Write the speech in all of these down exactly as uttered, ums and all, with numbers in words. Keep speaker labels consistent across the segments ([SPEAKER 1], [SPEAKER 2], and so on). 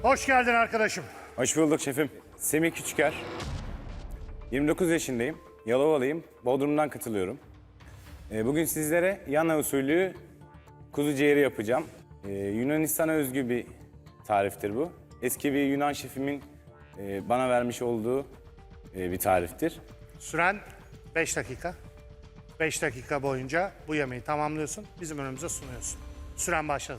[SPEAKER 1] Hoş geldin arkadaşım.
[SPEAKER 2] Hoş bulduk şefim. Semih Küçüker. yirmi dokuz yaşındayım. Yalovalıyım. Bodrum'dan katılıyorum. Ee, bugün sizlere Yana usulü kuzu ciğeri yapacağım. Ee, Yunanistan'a özgü bir tariftir bu. Eski bir Yunan şefimin e, bana vermiş olduğu e, bir tariftir.
[SPEAKER 1] Süren beş dakika. beş dakika boyunca bu yemeği tamamlıyorsun. Bizim önümüze sunuyorsun. Süren başladı.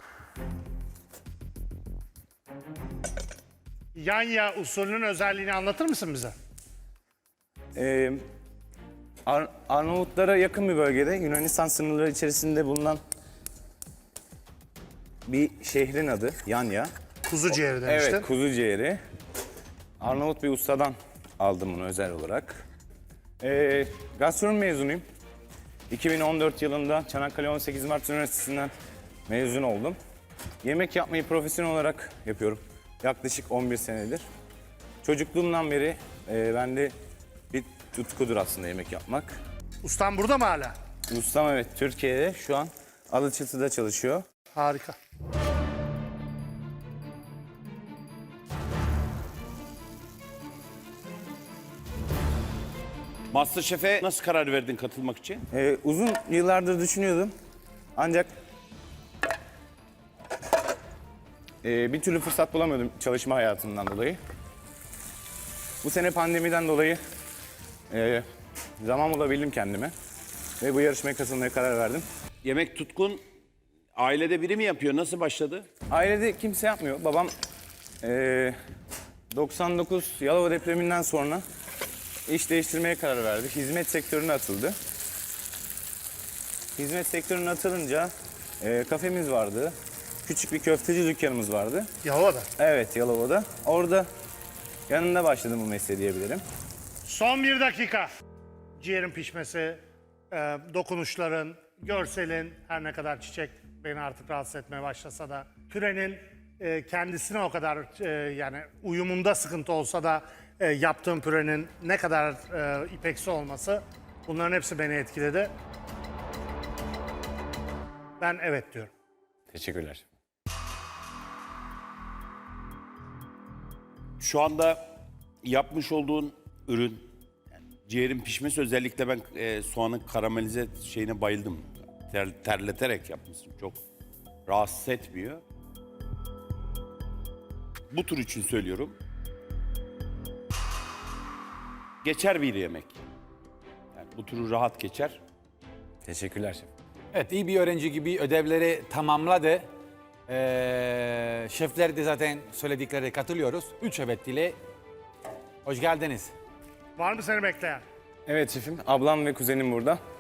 [SPEAKER 1] Yanya usulünün özelliğini anlatır mısın bize?
[SPEAKER 2] Ee, Ar- Arnavutlara yakın bir bölgede Yunanistan sınırları içerisinde bulunan bir şehrin adı Yanya.
[SPEAKER 1] Kuzu ciğeri demiştin.
[SPEAKER 2] Evet, kuzu ciğeri. Arnavut bir ustadan aldım bunu özel olarak. Ee, gastronomi mezunuyum. iki bin on dört yılında Çanakkale on sekiz Mart Üniversitesi'nden mezun oldum. Yemek yapmayı profesyonel olarak yapıyorum. Yaklaşık on bir senedir. Çocukluğumdan beri e, bende bir tutkudur aslında yemek yapmak.
[SPEAKER 1] Ustam burada mı hala?
[SPEAKER 2] Ustam evet Türkiye'de şu an Alaçatı'da çalışıyor.
[SPEAKER 1] Harika.
[SPEAKER 3] MasterChef'e nasıl karar verdin katılmak için?
[SPEAKER 2] Ee, uzun yıllardır düşünüyordum. Ancak e, bir türlü fırsat bulamıyordum çalışma hayatımdan dolayı. Bu sene pandemiden dolayı e, zaman bulabildim kendime. Ve bu yarışmaya katılmaya karar verdim.
[SPEAKER 3] Yemek tutkun ailede biri mi yapıyor? Nasıl başladı?
[SPEAKER 2] Ailede kimse yapmıyor. Babam e, doksan dokuz Yalova depreminden sonra iş değiştirmeye karar verdi. Hizmet sektörüne atıldı. Hizmet sektörüne atılınca e, kafemiz vardı. Küçük bir köfteci dükkanımız vardı.
[SPEAKER 1] Yalova'da.
[SPEAKER 2] Evet, Yalova'da. Orada yanında başladım bu mesleğe diyebilirim.
[SPEAKER 1] Son bir dakika. Ciğerin pişmesi, e, dokunuşların, görselin, her ne kadar çiçek beni artık rahatsız etmeye başlasa da, pürenin e, kendisine o kadar e, yani uyumunda sıkıntı olsa da e, yaptığım pürenin ne kadar e, ipeksi olması, bunların hepsi beni etkiledi. Ben evet diyorum.
[SPEAKER 2] Teşekkürler.
[SPEAKER 3] Şu anda yapmış olduğun ürün, yani ciğerin pişmesi özellikle ben e, soğanın karamelize şeyine bayıldım. Ter, terleterek yapmışsın. Çok rahatsız etmiyor. Bu tür için söylüyorum. Geçer bir yemek. Yani bu türü rahat geçer.
[SPEAKER 2] Teşekkürler şef.
[SPEAKER 4] Evet, iyi bir öğrenci gibi ödevleri tamamladı. Ee, şefler de zaten söyledikleri katılıyoruz. Üç evet ile hoş geldiniz.
[SPEAKER 1] Var mı seni bekleyen?
[SPEAKER 2] Evet şefim, ablam ve kuzenim burada.